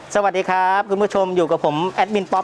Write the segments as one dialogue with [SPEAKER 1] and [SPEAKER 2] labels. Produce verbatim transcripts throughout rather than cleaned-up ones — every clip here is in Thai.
[SPEAKER 1] สวัสดีครับคุณผู้ชมอยู่กับผมแอดมินป๊อป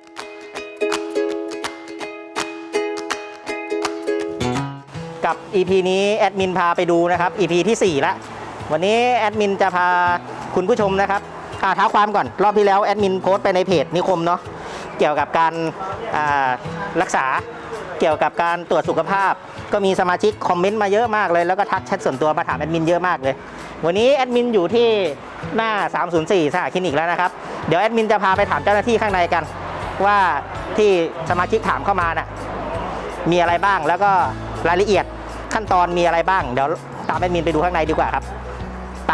[SPEAKER 1] กับ อี พี นี้แอดมินพาไปดูนะครับ อี พี ที่สี่ละวันนี้แอดมินจะพาคุณผู้ชมนะครับเท้าความก่อนรอบที่แล้วแอดมินโพสต์ไปในเพจนิคมเนาะเกี่ยวกับการรักษาเกี่ยวกับการตรวจสุขภาพก็มีสมาชิกคอมเมนต์มาเยอะมากเลยแล้วก็ทักแชทส่วนตัวมาถามแอดมินเยอะมากเลยวันนี้แอดมินอยู่ที่หน้าสามศูนย์สี่สหคลินิกแล้วนะครับเดี๋ยวแอดมินจะพาไปถามเจ้าหน้าที่ข้างในกันว่าที่สมาชิกถามเข้ามาน่ะมีอะไรบ้างแล้วก็รายละเอียดขั้นตอนมีอะไรบ้างเดี๋ยวตามแอดมินไปดูข้างในดีกว่าครับไป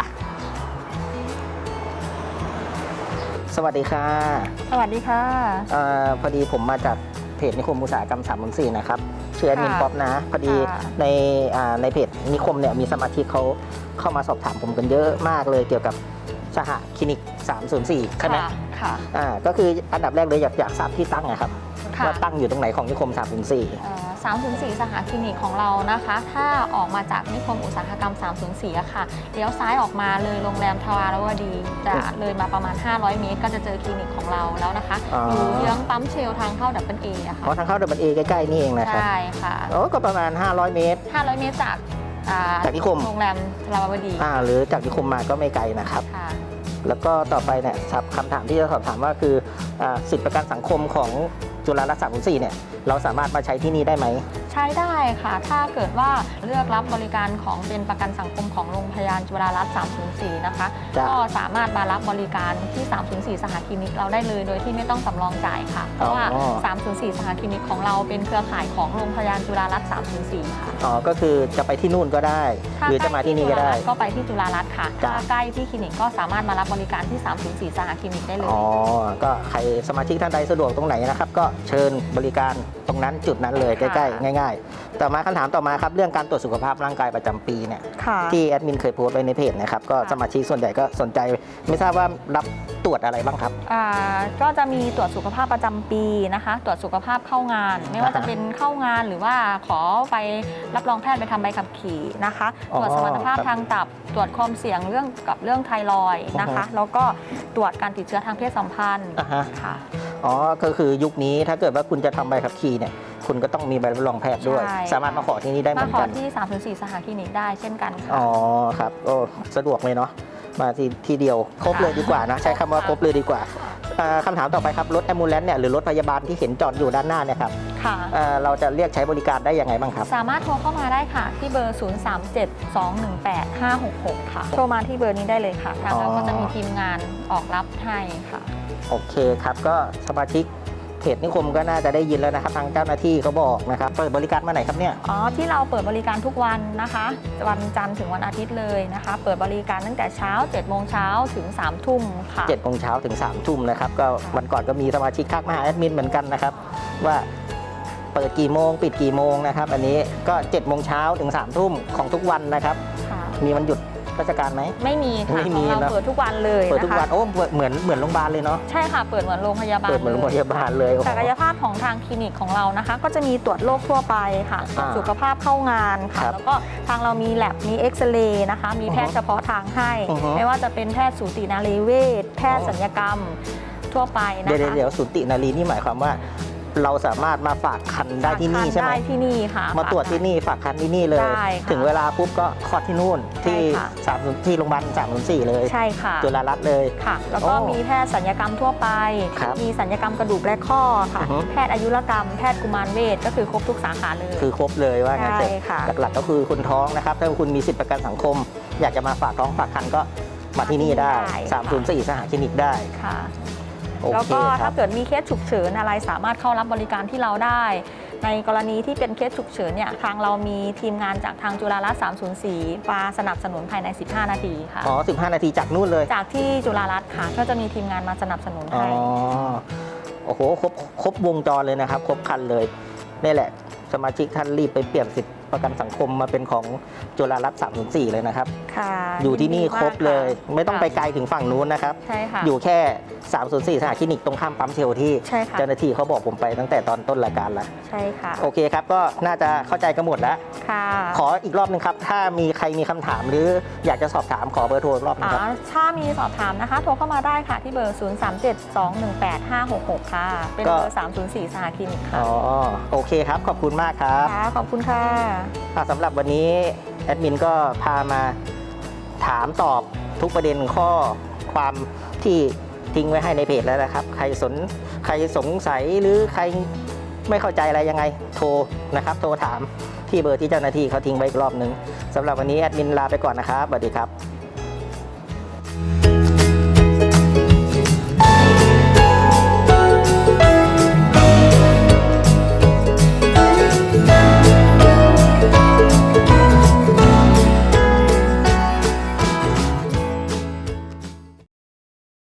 [SPEAKER 1] สวัสดีค่ะ
[SPEAKER 2] สวัสดีค่ะ
[SPEAKER 1] อพอดีผมมาจากเพจนิคมอุตสาหกรรมสามศูนย์สี่นะครับชื่อแอดมินป๊อปนะพอดีในในเพจนิคมเนี่ยมีสมาชิกเขาเข้ามาสอบถามผมกันเยอะมากเลยเกี่ยวกับสหคลินิกสามศูนย์สี่คณะ
[SPEAKER 2] ค่ะ
[SPEAKER 1] อ่าก็คืออันดับแรกเลยอยากอยากทราบที่ตั้งนะครับว่าตั้งอยู่ตรงไหนของนิคมสามศูนย์สี่
[SPEAKER 2] สามศูนย์สี่สหคลินิกของเรานะคะถ้าออกมาจากนิคมอุตสาหกรรมสามศูนย์สี่อะค่ะเลี้ยวซ้ายออกมาเลยโรงแรมทวารวดีจะเลยมาประมาณห้าร้อยเมตรก็จะเจอคลินิกของเราแล้วนะคะอยู่เยื้องปั๊มเชลทางเข้าดับเบิลเออะค่ะ
[SPEAKER 1] อ๋อทางเข้าดับเบิลเอใกล้ๆนี่เองนะครับ
[SPEAKER 2] ใช่ค่ะ
[SPEAKER 1] โอ้ก็ประมาณห้าร้อยเมตร
[SPEAKER 2] ห้าร้อยเมตรจาก
[SPEAKER 1] จากนิคม
[SPEAKER 2] โรงแรมทวารวดี
[SPEAKER 1] อ่าหรือจากนิคมมาก็ไม่ไกลนะครับแล้วก็ต่อไปเนี่ยคำถามที่จะสอบถามว่าคือสิทธิประกันสังคมของจุฬารัตน์สามศูนย์สี่เนี่ยเราสามารถมาใช้ที่นี่ได้ไหม
[SPEAKER 2] ใช้ได้ค่ะถ้าเกิดว่าเลือกรับบริการของเป็นประกันสังคมของโรงพยาบาลจุฬารัตน์สามศูนย์สี่นะคะก็สามารถมารับบริการที่สามศูนย์สี่สหคลินิกเราได้เลยโดยที่ไม่ต้องสำรองจ่ายค่ะเพราะว่าสามศูนย์สี่สหคลินิกของเราเป็นเครือข่ายของโรงพยาบาลจุฬารัตน์สามศูนย์สี่ค่ะ
[SPEAKER 1] อ๋อก็คือจะไปที่นู่นก็ได้หรือจะมาที่นี่ก็ได้
[SPEAKER 2] ก็ไปที่จุฬารัตน์ค่ะถ้าใกล้ที่คลินิกก็สามารถมารับบริการที่สามศูนย์สี่สหคลินิกได้เลย
[SPEAKER 1] อ๋อก็ใครสมาชิกท่านใดสะดวกตรงไหนนะครับก็เชิญบริการตรงนั้นจุดนั้นเลยใกล้ๆง่ายๆต่อมาคำถามต่อมาครับเรื่องการตรวจสุขภาพร่างกายประจำปีเนี่ยที่แอดมินเคยโพสต์ไว้ในเพจนะครับก็สมาชิกส่วนใหญ่ก็สนใจไม่ทราบว่ารับตรวจอะไรบ้างครับ
[SPEAKER 2] อ่าก็จะมีตรวจสุขภาพประจำปีนะคะตรวจสุขภาพเข้างานไม่ว่าจะเป็นเข้างานหรือว่าขอไปรับรองแพทย์ไปทำใบขับขี่นะคะตรวจสมรรถภาพทางตับตรวจความเสี่ยงเรื่องกับเรื่องไทรอยด์นะคะแล้วก็ตรวจการติดเชื้อทางเพศสัมพันธ์ค่ะ
[SPEAKER 1] อ๋อก็คือยุคนี้ถ้าเกิดว่าคุณจะทำใบขับขี่เนี่ยคุณก็ต้องมีใบรับรองแพทย์ด้วยสามารถมาขอที่นี่ได้เหมือนกัน
[SPEAKER 2] มาขอที่สามศูนย์สี่สหคลินิกได้เช่นกันค่ะ
[SPEAKER 1] อ๋อครับโอ้สะดวกเลยเนาะมาที่ทีเดียวครบเลยดีกว่านะใช้คำว่าครบเลยดีกว่าคำถามต่อไปครับรถแอมบูเลนซ์เนี่ยหรือรถพยาบาลที่เห็นจอดอยู่ด้านหน้าเนี่ยครับเราจะเรียกใช้บริการได้ยังไงบ้างครับ
[SPEAKER 2] สามารถโทรเข้ามาได้ค่ะที่เบอร์ ศูนย์ สาม เจ็ด สอง หนึ่ง แปด ห้า หก หก ค่ะโทรมาที่เบอร์นี้ได้เลยค่ะทางเราก็จะมีทีมงานออกรับให้ค่ะ
[SPEAKER 1] โอเคครับก็สมาชิกเพจนิคมก็น่าจะได้ยินแล้วนะครับทางเจ้าหน้าที่เขาบอกนะครับเปิดบริการเมื่อไหร่ครับเนี่ย
[SPEAKER 2] อ๋อที่เราเปิดบริการทุกวันนะคะวันจันทร์ถึงวันอาทิตย์เลยนะคะเปิดบริการตั้งแต่เช้าเจ็ดโมงเช้าถึงสามทุ่มค่ะ
[SPEAKER 1] เจ็ดโมงเช้าถึงสามทุ่มนะครับก็วันก่อนก็มีสมาชิกทักมาหาแอดมินเหมือนกันนะครับว่าเปิดกี่โมงปิดกี่โมงนะครับอันนี้ก็เจ็ดโมงเช้าถึงสามทุ่มของทุกวันนะครับมีวันหยุดราชการไหม
[SPEAKER 2] ไม่มีค่ะของเราเปิดทุกวันเลย
[SPEAKER 1] เปิดทุกวันโอ้เหมือนเหมือนโรงพยาบาลเลยเนาะ
[SPEAKER 2] ใช่ค่ะเปิดเหมือนโรงพยาบาล
[SPEAKER 1] เปิดเหมือนโรงพยาบาลเลย
[SPEAKER 2] ศักยภาพของทางคลินิกของเรานะคะก็จะมีตรวจโรคทั่วไปค่ะสุขภาพเข้างานค่ะแล้วก็ทางเรามีแลบมีเอ็กซเรย์นะคะมีแพทย์เฉพาะทางให้ไม่ว่าจะเป็นแพทย์สูตินารีเวชแพทย์ศัลยกรรมทั่วไปนะคะ
[SPEAKER 1] เดี๋ยวเดี๋ยวสูตินารีนี่หมายความว่าเราสามารถมาฝากคันได้ที่นี่ใช่ไหม
[SPEAKER 2] ได้ที่นี่ค่ะ
[SPEAKER 1] มาตรวจที่นี่ฝากคันที่นี่เลยถึงเวลาปุ๊บก็คลอดที่นู่นที่สามที่โรงพยาบาลสามศูนย์สี่เลย
[SPEAKER 2] ใช่ค่ะ
[SPEAKER 1] จุฬารัตน์เลย
[SPEAKER 2] ค่ะแล้วก็มีแพทย์ศัลยกรรมทั่วไปมีศัลยกรรมกระดูกและข้อค่ะแพทย์อายุรกรรมแพทย์กุมารเวชก็คือครบทุกสาขาเลย
[SPEAKER 1] คือครบเลยว่างั้นเถอะหลักๆก็คือคุณท้องนะครับถ้าคุณมีสิทธิประกันสังคมอยากจะมาฝากท้องฝากคันก็มาที่นี่ได้สามศูนย์สี่สหคลินิกได้
[SPEAKER 2] ค่ะแล้วก็ถ้าเกิดมีเคสฉุกเฉินอะไรสามารถเข้ารับบริการที่เราได้ในกรณีที่เป็นเคสฉุกเฉินเนี่ยทางเรามีทีมงานจากทางจุฬารัตน์สามศูนย์สี่มาสนับสนุนภายในสิบห้านาทีค่ะ
[SPEAKER 1] อ๋อสิบห้านาทีจากนู่นเลย
[SPEAKER 2] จากที่จุฬารัตน์ค่ะก็จะมีทีมงานมาสนับสนุนให้
[SPEAKER 1] อ๋อโอ้โหครบครบวงจรเลยนะครับครบคันเลยนี่แหละสมาชิกท่านรีบไปเปลี่ยนสิทธิประกันสังคมมาเป็นของจุฬารัตน์สามศูนย์สี่เลยนะครับ
[SPEAKER 2] ค่ะ
[SPEAKER 1] อยู่ที่นี่ครบเลยไม่ต้องไปไกลถึงฝั่งนู้นนะครับ
[SPEAKER 2] ใช่ค่ะ
[SPEAKER 1] อยู่แค่สามศูนย์สี่สหคลินิกตรงข้ามปั๊มเชลที่เจ้าหน้าที่เขาบอกผมไปตั้งแต่ตอนต้นรายการแล้ว
[SPEAKER 2] ใช่ค่ะ
[SPEAKER 1] โอเคครับก็น่าจะเข้าใจกันหมดแล้ว
[SPEAKER 2] ค่ะ
[SPEAKER 1] ขออีกรอบนึงครับถ้ามีใครรมีคำถามหรืออยากจะสอบถามขอเบอร์โทรอีกรอบนะ
[SPEAKER 2] อ่า
[SPEAKER 1] ครับ
[SPEAKER 2] ถ้ามีสอบถามนะคะ โทรเข้ามาได้ค่ะที่เบอร์ ศูนย์ สาม เจ็ด สอง หนึ่ง แปด ห้า หก หก ค่ะ เป็นเบอร์ สามศูนย์สี่ สหคลินิกค่ะ
[SPEAKER 1] อ๋อโอเคครับขอบคุณมากครับ
[SPEAKER 2] ค่ะขอบคุณค่ะ
[SPEAKER 1] อ่ะสำหรับวันนี้แอดมินก็พามาถามตอบทุกประเด็นข้อความที่ทิ้งไว้ให้ในเพจแล้วนะครับ ใครสนใครสงสัยหรือใครไม่เข้าใจอะไรยังไงโทรนะครับ โทรถามที่เบอร์ที่เจ้าหน้าที่เขาทิ้งไว้อีกรอบนึงสำหรับวันนี้แอดมินลาไปก่อนนะครับสวัสดีครับ